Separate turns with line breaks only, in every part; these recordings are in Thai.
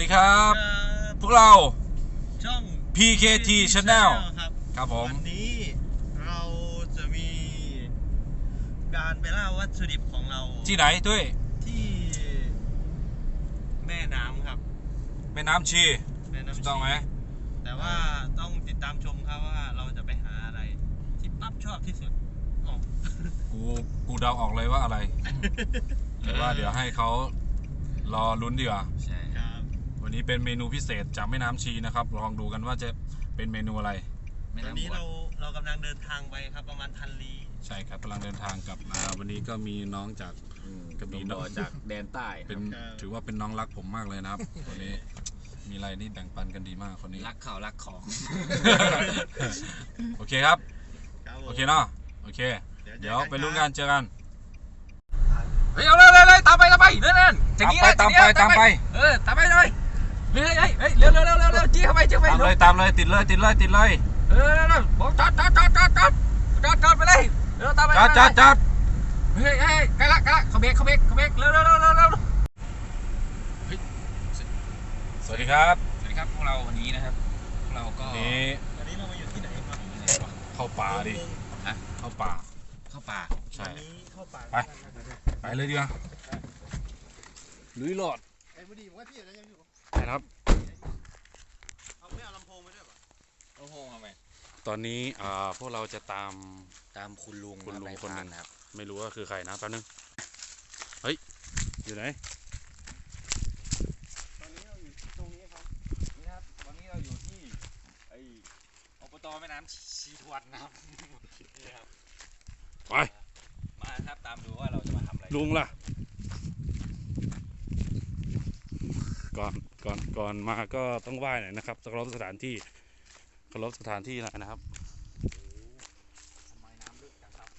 ครับพวกเรา
ช่อง
PKT Channel ครับผม
วันนี้เราจะมีการไปล่าวัตถุดิบของเรา
ที่ไหนด้วย
ที่แม่น้ำครับ
แม่น้ำชีถูกต้องไหม
แต่ว่าต้องติดตามชมครับว่าเราจะไปหาอะไรที่ปั๊บชอบที่สุด
กูเดาออกเลยว่าอะไรแต่ว่าเดี๋ยวให้เขารอลุ้นดีกว่า
ใช่ครับ
วันนี้เป็นเมนูพิเศษจากแม่น้ำชีนะครับลองดูกันว่าจะเป็นเมนูอะไร
วันนี้เรากำลังเดินทางไปครับประมาณ1,000 ลี้
ใช่ครับกำลังเดินทางกลับมาวันนี้ก็มีน้องจากกระบี่น้อง
จากแดนใต้
เป็นถือว่าเป็นน้องรักผมมากเลยนะครับคนนี้มีอะไรนี่แบ่งปันกันดีมากคนนี้
รักเขารักของ
โอเคครับโอเคเนาะโอเคเดี๋ยวไปลุ้นกันเจอกัน
เฮ้ยเอาเลยตามไปเน่น
ตามไปตามไปตามไป
เลยเฮ้ยเร็วจี้เข้าไป
ตามเลยติดเลย
บอกจอดไปเลยเร็วตามไป
จอด
เฮ้ยใกล้ละเขาเบรกเร็ว
สวัสดีครับ
พวกเราวันนี้นะครับเราก็
วันนี้เรามาอยู่ที่ไหนครับ
เข้าป่าดิเข้าป่าใช่
เข้าป่า
ไปเลยดีกว่าลุยหลอด
ไอ้บุดีว่าพี่อะไรยังอยู่
ครับ
เอาไม่เอาลำโพงไปด้วยป่ะ
ลำโพงเอาไหม
ตอนนี้พวกเราจะตาม
คุณลุง
คนหนึ่งครับไม่รู้ว่าคือใครนะแป๊บนึงเฮ้ยอยู่ไหน
ตอนนี้เราอยู่ตรงนี้ครับ
นี่ครับตอนนี้เราอยู่ที่ไอ้อบตแม่น้ำชีทวนนะครับนี่ครับ
ไป
มาครับตามดูว่าเราจะมาทำอะไร
ลุงล่ะก่อนมาก็ต้องไหว้หน่อยนะครับเคารพสถานที่นะครับ
ทำไมน้ำลึกจังครับ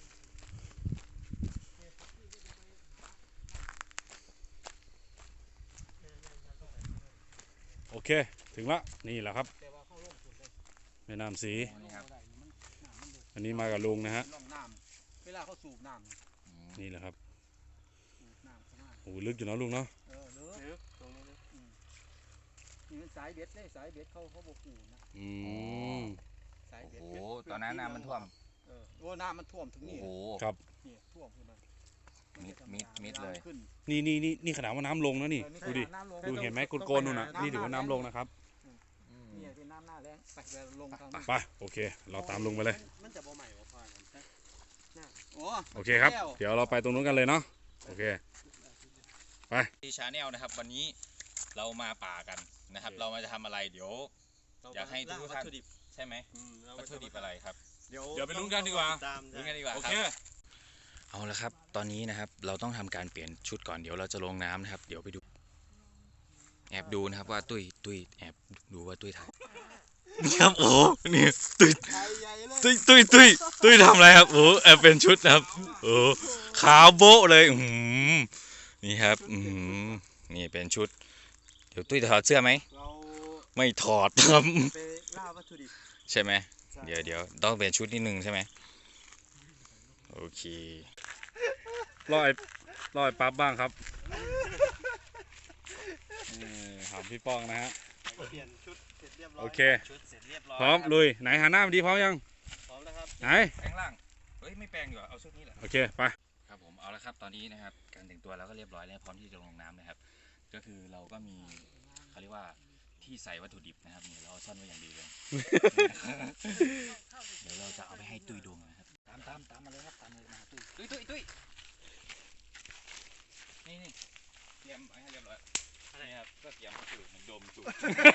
โอเคถึงละนี่แหละครับแม่น้ำสีอันนี้มากับลุงนะฮะ
เวลาเขาสูบน้
ำนี่แหละครับโอ้ลึกอยู่เนาะลุงเนาะ
ลึกตรงนี้ลึกนี่สายเบ็ดเลยสายเบ็ดเขาบอกกูนะ
สายเบ็ดโอ้ตอนนั้นน้ำมันท่วม
น้ำมันท่วมถึงนี่
โอ้
ครับ
นี่ท่วมขึ้นมา
มิดเลย
นี่ขนาดว่าน้ำลงนะนี่ดูเห็นไหมโกนนู่นนะนี่ถือว่าน้ำลงนะครับ
นี่เป็นน้ำหน้าแรงไปลง
ไปโอเคเราตามลุงไปเลย
มันจะบ่ใหม่บ่พอ
โอเคครับเดี๋ยวเราไปตรงนู้นกันเลยเนาะโอเคไป
ที่ชาแนลนะครับวันนี้เรามาป่ากันนะครับเรามาจะทำอะไรเดี๋ยวอยากให้ทุกท่านใช่ไหมวัตถุดิบอะไรครับ
เดี๋ยวไปลุ้นกันดีกว่าโอเค
เอาละครับตอนนี้นะครับเราต้องทำการเปลี่ยนชุดก่อนเดี๋ยวเราจะลงน้ำนะครับเดี๋ยวไปดูแอบดูนะครับว่าตุ้ยแอบดูว่าตุ้ยถ่ายนี่ครับโอ้นี่ตุ้ยทำอะไรครับโอ้แอบเป็นชุดนะครับโอ้ขาวโบ๊ะเลยนี่ครับนี่เป็นชุดเดี๋ยวตุ้ยถอดเสื้อไหมไม่ถอดครับ
ไปล่าวัตถุดิบ
ใช่ไหมเดี๋ยวต้องเป็นชุดนิดนึงใช่ไหมโอเค
รอยปั๊บบ้างครับถามพี่ป้องนะฮะ
เปลี่ยนชุดเสร็จเรียบร้อย
โอเคพร้อมลุยไหนหาหน้ามันดีพร้อมยัง
พร้อมแล้วครับ
ไหน
แปลงร่างเฮ้ยไม่แปลงดีกว่าเอาชุดนี้แหละ
โอเคไป
ครับผมเอาละครับตอนนี้นะครับการแต่งตัวเราก็เรียบร้อยแล้วพร้อมที่จะลงน้ำนะครับก็คือเราก็มีเขาเรียกว่าที่ใส่วัตถุดิบนะครับนี่เราซ่อนไว้อย่างดีเลยเดี๋ยวเราจะเอาไปให้ตุ้ยดูนะครับตามมาเลยครับตามเลยมาตุ้ยนี่เตรียมไว้ให้เรียบร้อยอะไรครับก็เตรียมสูบมันดมสูบ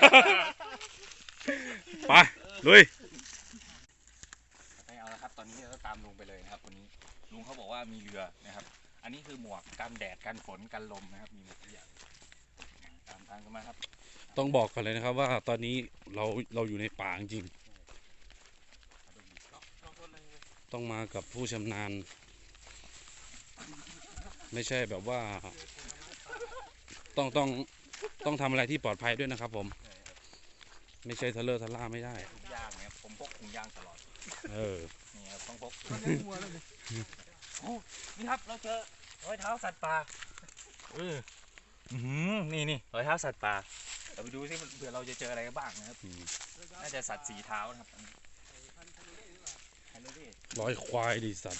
ไปลุย
ไปเอาละครับตอนนี้เราก็ตามลุงไปเลยนะครับคนนี้ลุงเขาบอกว่ามีเรือนะครับอันนี้คือหมวกกันแดดกันฝนกันลมนะครับมีหมดทุกอย่างตามกันมาครับ
ต้องบอกก่อนเลยนะครับว่าตอนนี้เราอยู่ในป่าจริงต้องมากับผู้ชำนาญไม่ใช่แบบว่าต้องทำอะไรที่ปลอดภัยด้วยนะครับผมไม่ใช่ทะเลาะทะล่าไม่ได้
ถุงยางเนี่ยผมพกถุงยางตลอดนี่ครับต้องพกนี่ครับเราเจอรอยเท้าสัตว์ป่านี่รอยเท้าสัตว์ป่าเราไปดูซิเผื่อเราจะเจออะไรบ้างนะครับน่าจะสัตว์สีเท้านะครับ
ร้อยควายดิสัตว์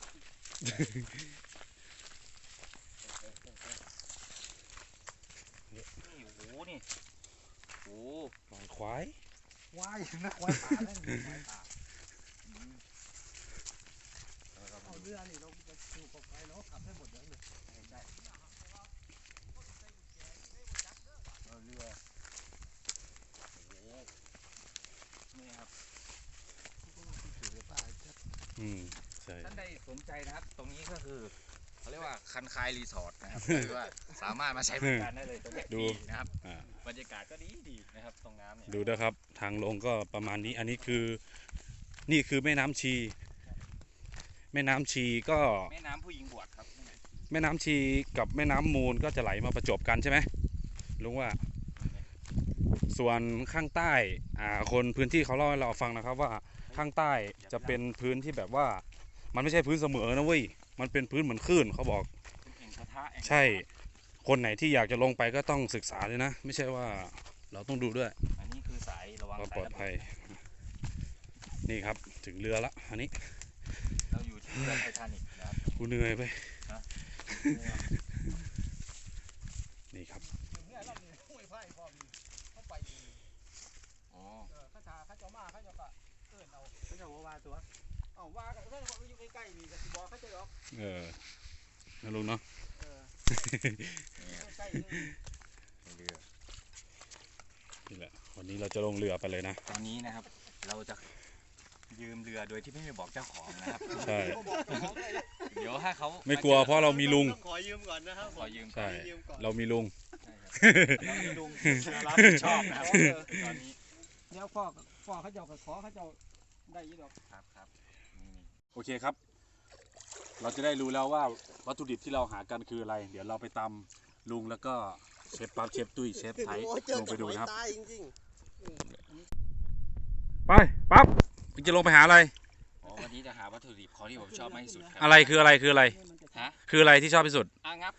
นี่โอ้โหนี่โอ้
ร้อยควาย
ควายนะควายป่านั่นควายป่าเอาเรือนี่เราจะอยู่กับใครเราขับให้หมดเลยได้เรือ
นี่ครับ
ใช่
ท่านใดสนใจนะครับ ตรงนี้ก็คือเขาเรียกว่าคันคายรีสอร์ทนะครับคือว่าสามารถมาใช้บริการได้เลยตรงนี้ดีนะครับบรรยากาศก็ดีนะครับตรงน้ำเนี่ย
ดูนะครับทางลงก็ประมาณนี้อันนี้คือนี่คือแม่น้ำชี แม่น้ำชีก็
แม่น้ำผู้หญิงบวชครับ
แม่น้ำชีกับแม่น้ำมูลก็จะไหลมาประจบกันใช่ไหมลุงว่าส่วนข้างใต้คนพื้นที่เขาเล่าให้เราฟังนะครับว่าข้างใต้จะเป็นพื้นที่แบบว่ามันไม่ใช่พื้นเสมอนะเว้ยมันเป็นพื้นเหมือนคลื่นเขาบอกใช่คนไหนที่อยากจะลงไปก็ต้องศึกษาเลยนะไม่ใช่ว่าเราต้องดูด้วย
อันนี้คือสายระวัง
ความ
สา
ปลอดภัยนี่ครับถึงเรือละอันนี้
เราอยู่ที่เรือไททานิคนะครับ
กูเหนื่อยไปนี่ครับ
เนี่ยเราเนี่ยห้วยไผ่พร้อมเข้าไป
อ๋อ
ข้าเจ้ามาข้าเจ้าก็เอิ้นเอาข้าเจ้าว่าตัวเอาว่ากันเพื่อนเขาอยู่ใกล้ๆนี่ก็สิบอกข้าเจ้าหรอก
นะลุงเนาะ
ใกล้
เรือ
นี่แหละวันนี้เราจะลงเรือไปเลยนะ
ตอนนี้นะครับ เราจะยืมเรือโดยที่ไม่ได้บอกเจ้าของนะครับ
ใช่
เดี๋ยวถ้าเขา
ไม่กลัวเพราะเรามีลุง
ขอยืมก่อนนะครับ
ขอยืม
ใช่
ยืมก่อน
เรามีลุง
เรามีลุงรับผิดชอบนะครับตอนนี้
เดี๋ยวพ่อเขาเจ้าก็ขอเขาเจ้าได้ยี่ดอก
ครับนี่
โอเคครับ เราจะได้รู้แล้วว่าวัตถุดิบที่เราหากันคืออะไร เดี๋ยวเราไปตำลุงแล้วก็เชฟปั๊บเชฟตุ้ยเชฟไทยลงไปดูนะครับ
จริง
ไปปั๊บจะลงไปหาอะไร
วันนี้จะหาวัตถุดิบของที่ผมชอบมากที่สุดครั
อะไรคืออะไรคืออะไร
ฮะ
คืออะไรที่ชอบที่สุด
อ่ะงับ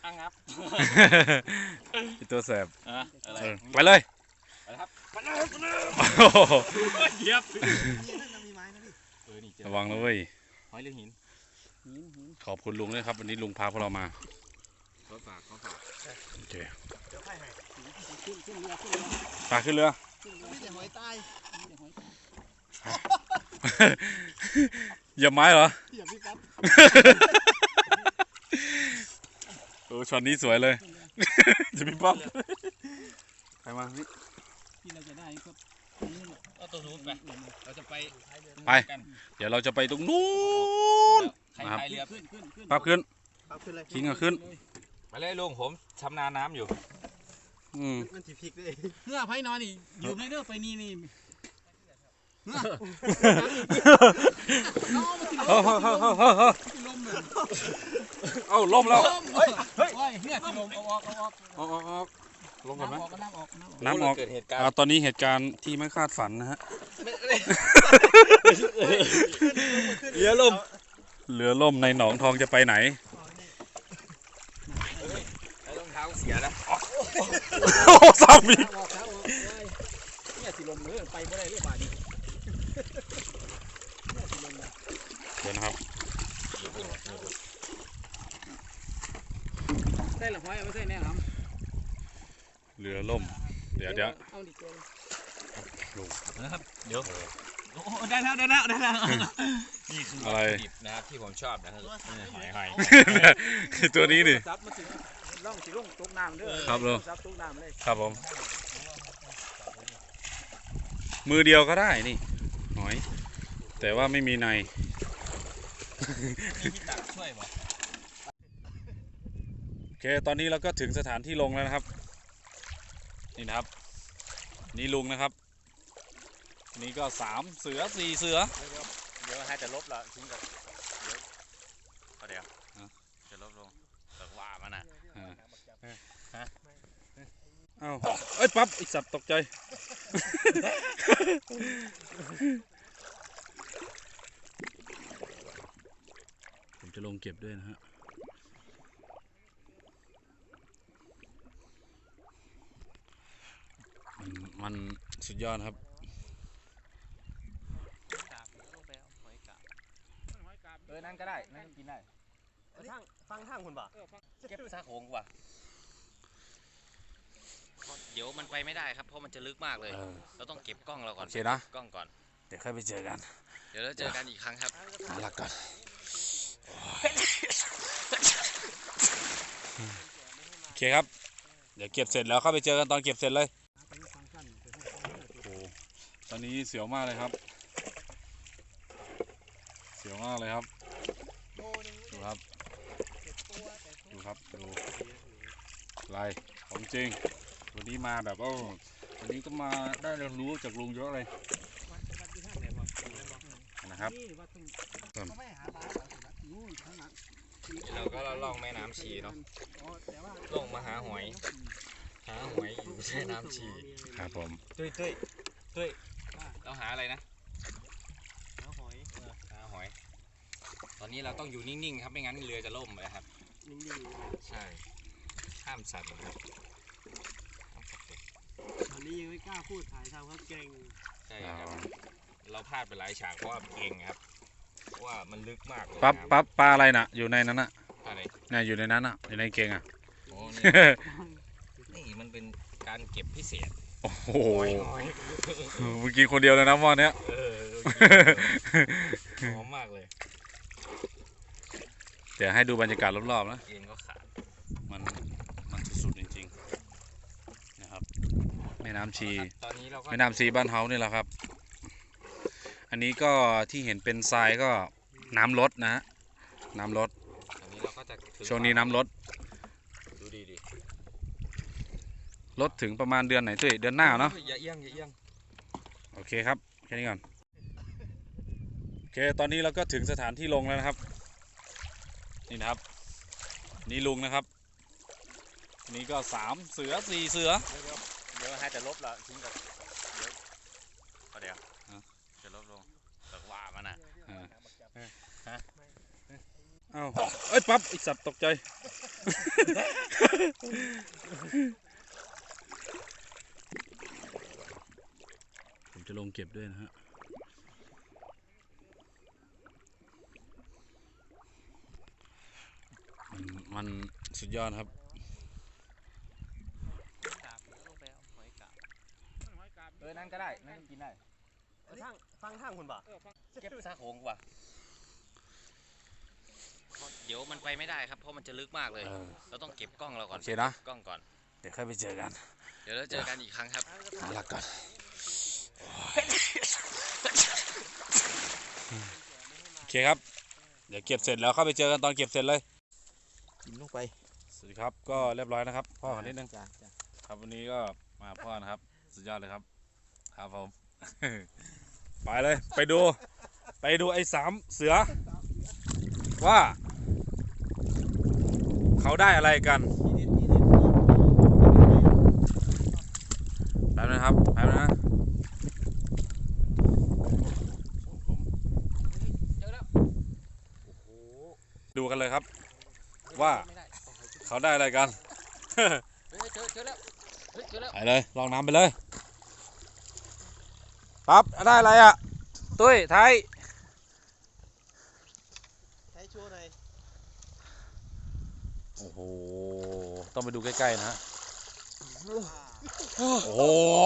ตัวแสบ
อะไร
ไปเลย
ไปครับ
โอ้โห
เยียบ
มีไม้นะพี่
ระวังนะเว้ย
หอยหรือหิน
ขอบคุณลุงด้วยครับวันนี้ลุงพาพวกเรามา
เขาฝาก
โอเค
เดี๋ยวให้ ขึ้นเรือ
ปลาขึ้นเรือ
มีแต่หอยตาย
อย่าไม้เหรอ
อย่าพี่ครับ
ช็อตนี้สวยเลย จะมีปั๊บใครมาพี่
ที่เราจะได้ก็
เอาตัวนู้นไปเราจะไป
ไป เดี๋ยวเราจะไปตรงนู้น
ใครพายเรือ
ขึ้น
ปั๊บขึ้น
ขึ้นเลย
ทิ้งก็ขึ้น
ไปเลยลุงผมชำนาญน้ำอยู่
มันถีพริกเลยเนื้อไผ่นอนนี่อยู่ในเนื้อไปนี่
เอ้าล่มแล้ว
เฮ้ยเนี่ยที่ลมเอาออก
ลงก่อนไหม
น้ำออก
น้ำออก
เกิดเหตุการณ์
ตอนนี้เหตุการณ์ที่ไม่คาดฝันนะฮะ
เรือลม
เรือล่มในหนองทองจะไปไหน
รองเท้าเสียแล้ว
โอ้สามี
ออกเนี่ยที่ลมไปไม่ได้เลยบาดนี้
เดี๋ยวนะครับ
ได้หรือไม่ไม่ใช่แน่ครับ
เรือล่ม เดี๋ยว
เอาดิเกลือ
นะครับเดี๋ยวได้แล้วนี่คือวัตถุดิบนะครับที่ผมชอบนะครับหอย
ตัวนี้ดิ
ซับมาถึงล่องสิล่องตกน้ำเด้อ
ครับลุง
ซับตกน้ำเลย
ครับผม มือเดียวก็ได้นี่หอย แต่ว่าไม่มีใน
มีที่ตักช่วยบ่
โอเค ตอนนี้เราก็ถึงสถานที่ลงแล้วนะครับ นี่นะครับ นี่ลุงนะครับ นี่ก็3 เสือ 4 เสือ
เดี๋ยวให้จะลบละทิ้งกับเดี๋ยวจะลบลงแต่ว่ามันอ่ะ
เอ้าเอ้ยปั๊บไอสัตว์ตกใจ ผมจะลงเก็บด้วยนะฮะมันสุดยอดครับ
นั่นก็ได้นั่นกินได้
ฟังทางคุณบ่
เก็บซากโขงกว่าเดี๋ยวมันไปไม่ได้ครับเพราะมันจะลึกมากเลย เราต้องเก็บกล้องเราก่อน
โอเคนะ
กล้องก่อน
เดี๋ยวค่อยไปเจอกัน
เดี๋ยวเราเจอกันอีกครั้งครับ
หาหลักก่อนโอเคครับ เดี๋ยวเก็บเสร็จแล้วเข้าไปเจอกันตอนเก็บเสร็จเลยโอ้ตอนนี้เสียวมากเลยครับ เสียวมากเลยครับ ดูครับ ดูครับ ดูลายของจริง วันนี้มาแบบว่าวันนี้ก็มาได้เรียนรู้จากลุงเยอะเลยนะครับ
เราก็ล่องแม่น้ำชีเนาะลงมาหาหอยอยู่แม่น้ำชี
ครับผม
ตุ้ยเราหาอะไรนะหาหอยตอนนี้เราต้องอยู่นิ่งๆครับไม่งั้นเรือจะล่มเลยครับนิ่งๆใช่ห้ามสั่นครับ
ตอนนี้ยังไม่กล้าพูดถ่ายทำเขาเก่ง
ใช่ครับเราพลาดไปหลายฉากเพราะว่าเก่งครับเพราะว่ามันลึกมากเลย
ปั๊บปลาอะไรน่ะอยู่ในนั้นน่ะ
อะไร
เนี่ยอยู่ในนั้นน่ะอยู่ในเกงอ่ะ
โอ้นี่มันเป็นการเก็บพิเศษ
โอ้โห
หอย
เมื่อกี้คนเดียวเลยนะวันเนี้ย
หอมมากเลย
เดี๋ยวให้ดูบรรยากาศรอบๆนะ
เกงก็ขาด
มันสุดๆจริงๆนะครับแม่น้ำชี
ตอนนี้เราก็
แม่น้ำชีบ้านเฮานี่แหละครับ อันนี้ก็ที่เห็นเป็นทรายก็น้ำลดนะฮะน้ำลด
ตอนนี้เราก็จะถึง
ช่วงนี้น้ำลด
ดูดี
ลดถึงประมาณเดือนไหนตุ้ยเดือนหน้าเนาะ
อย่าเอี้ยง
โอเคครับแค่นี้ก่อนโอเคตอนนี้เราก็ถึงสถานที่ลงแล้วนะครับนี่นะครับนี่ลุงนะครับอันนี้ก็3 เสือ 4 เสือ
เดี๋ยวให้จะลบละทิ้งกับเดี๋ยวจะลบลงแต่ว่ามันอ่ะ
เอ้าเอ้ยปั๊บไอสัตว์ตกใจ ผมจะลงเก็บด้วยนะฮะมันสุดยอดครับ
นั่นก็ได้นั่นกินได้
ฟังทางคุณบ่
เก็บซากโขงกว่าเดี๋ยวมันไปไม่ได้ครับเพราะมันจะลึกมากเลย เราต้องเก็บกล้องเราก่อน
โอเคนะ
กล้องก่อน
เดี๋ยวค่อยไปเจอกัน
เดี๋ยวเราเจอกันอีกครั้งครับ
หาหลักก่อนโอเคครับ เดี๋ยวเก็บเสร็จแล้วเข้าไปเจอกันตอนเก็บเสร็จเลย
กินลงไป
สวัสดีครับก็เรียบร้อยนะครับพ่อขอนิดนึง
จ้า
ครับวันนี้ก็มาพ่อนะครับสุดยอดเลยครับครับผม ไปเลยไปดูไอ้3 เสือ ว่า เขาได้อะไรกันแป๊บนะครับแป๊บนะ
เจอแล้วโอ้โห
ดูกันเลยครับ ว่าเขาได้อะไรกัน
เจอแล้วเจอแล้ว
ไปเลยลองน้ำไปเลยปั๊บได้อะไรอ่ะตุ้ยไทย
ใช้ชัวร์หน่อย
โอ้โหต้องไปดูใกล้ๆนะฮะโอ้โห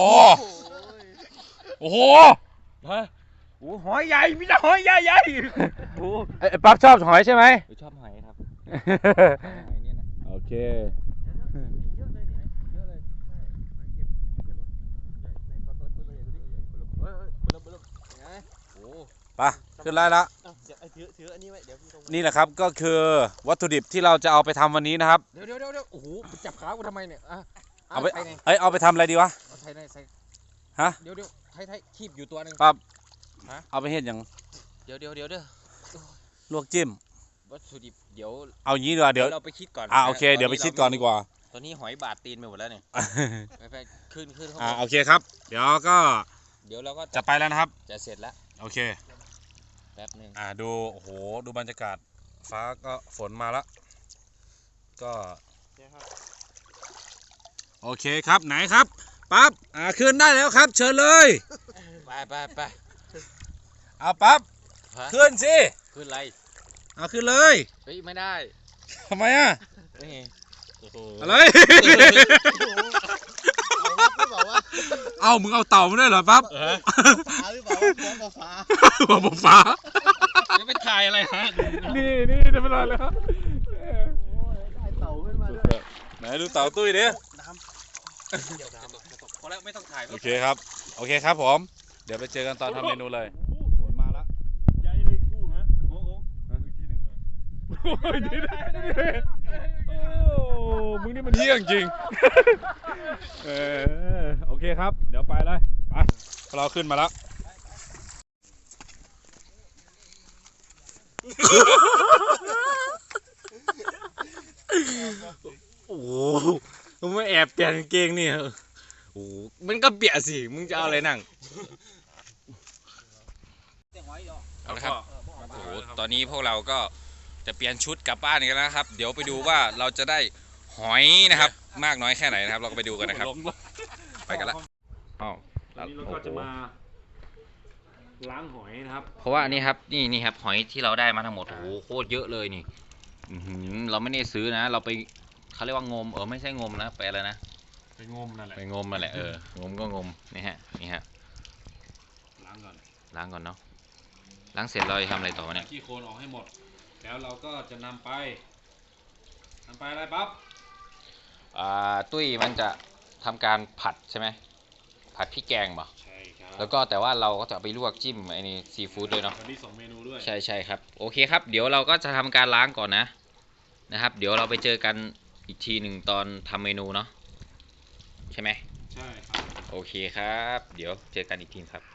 โอ้โหฮะ
โอ้หอยใหญ่มีแต่หอยใหญ่โอ้
ไอ้ปั๊บชอบหอยใช่ไหม
ชอบหอยครับหอยเนี่ยนะ
โอเค
เยอะเลยเนี่ยเยอะเลยใช่หอยเก็บในตัวใหญ่ดูดิเฮ้ยโอ้
ไปขึ้นไล่ละ
เดี๋ยวถืออันนี้ไว้เดี๋ยวพี่ตรง
นี่แหละครับก็คือวัตถุดิบที่เราจะเอาไปทำวันนี้นะครับ
เดี๋ยวโอ้โหจับขากูทำไมเนี่ย
เอาไป
ไทยไง
เอาไปทำอะไรดีวะ
เอาไทยในใส่
ฮะ
เดี๋ยวไทยคีบอยู่ตัวหนึง
ปั๊บ
ฮะ
เอาไปเฮ็ดอย่าง
เดี๋ยว
ลวกจิ้ม
วัตถุดิบเดี๋ยว
เอางี้ดีกว่าเดี๋ยว
เราไปคิดก่อน
โอเคเดี๋ยวไปคิดก่อนดีกว่า
ตอนนี้หอยบาดตีนไปหมดแล้วเนี่ยไปขึ้นข้างบน
โอเคครับ เดี๋ยวก็
เดี๋ยวเราก็
จะไปแล้วนะครับ
จะเสร็จแล้ว
โอเค
แป๊บหนึง
ดูโอ้โหดูบรรยากาศฟ้าก็ฝนมาแล้วก็โอเคครับไหนครับปั๊บขึ้นได้แล้วครับ เชิญเลย
ไป
เอาปั๊บ
ฮะ
ขึ้นสิ
ขึ้นไร
เอาขึ้นเลย
เฮ้ยไม่ได้
ทำไมอ่ะ
นี่โอ้โห
อะไร
หรือเปล่าวะ
เอามึงเอาเต่ามาด้วยเหรอปั๊บ
ฟ้าหรือเปล่าวะฟ้องฟ้า
หัวบฟ้า
จะไปถ่ายอะไรฮะ
นี่จะเป็นอะไรเลยครับ
ได้เต่าขึ้นมาด้วย
ไหนดูเต่าตุ้ยดิ
พอแล้วไม่ต้องถ่าย
โอเคครับผม เดี๋ยวไปเจอกันตอนทำเมนูเลยฝนมาแล้ว
ใหญ่เลยกูฮะโอ้โหอีกทีหนึง
โอ้ยนี่มึงนี่มันเฮี้ยงจริง โอเคครับ เดี๋ยวไปเลยไปเราขึ้นมาแล้ว
โอ้โหมึงไม่แอบเปลี่ยนกางเกงนี่เหรอโอ้โหมันก็เปียกสิมึงจะเอาอะไรนั่งเอาละครับโอ้โหตอนนี้พวกเราก็จะเปลี่ยนชุดกลับบ้านกันแล้วนะครับ เดี๋ยวไปดูว่าเราจะได้หอยนะครับ มากน้อยแค่ไหนนะครับ เราก็ไปดูกันนะครับ ไปกันละอ้าว
วันนี้เราก็จะมาล้างหอยนะครับ
เพราะว่านี่ครับนี่ครับหอยที่เราได้มาทั้งหมดโอ้โหโคตรเยอะเลยนี่อื้อหือเราไม่ได้ซื้อนะ เราไปเขาเรียกว่างมไม่ใช่งมนะไปอะไรนะ
ไปงมนั่นแหละ
ไปงมนั่นแหละงมก็งมนี่ฮะ
ล้างก่อน
ล้างก่อนเนาะล้างเสร็จเราจะทำอะไรต่อวะเนี่ย
ขี้โคลนออกให้หมด แล้วเราก็จะนำไปอะไรปั๊บ
ตุ้ยมันจะทำการผัดใช่ไหมผัดพริกแกงป่ะ
ใช่ครับ
แล้วก็แต่ว่าเราก็จะไปลวกจิ้มไอ้นี่ซีฟู้ดด้วยเนาะ
วันนี้2 เมนูด้วย
ใช่ครับโอเคครับเดี๋ยวเราก็จะทำการล้างก่อนนะครับ เดี๋ยวเราไปเจอกันอีกทีหนึ่งตอนทำเมนูเนาะใช่ไหม
ใช่ครับ
โอเคครับ เดี๋ยวเจอกันอีกทีครับ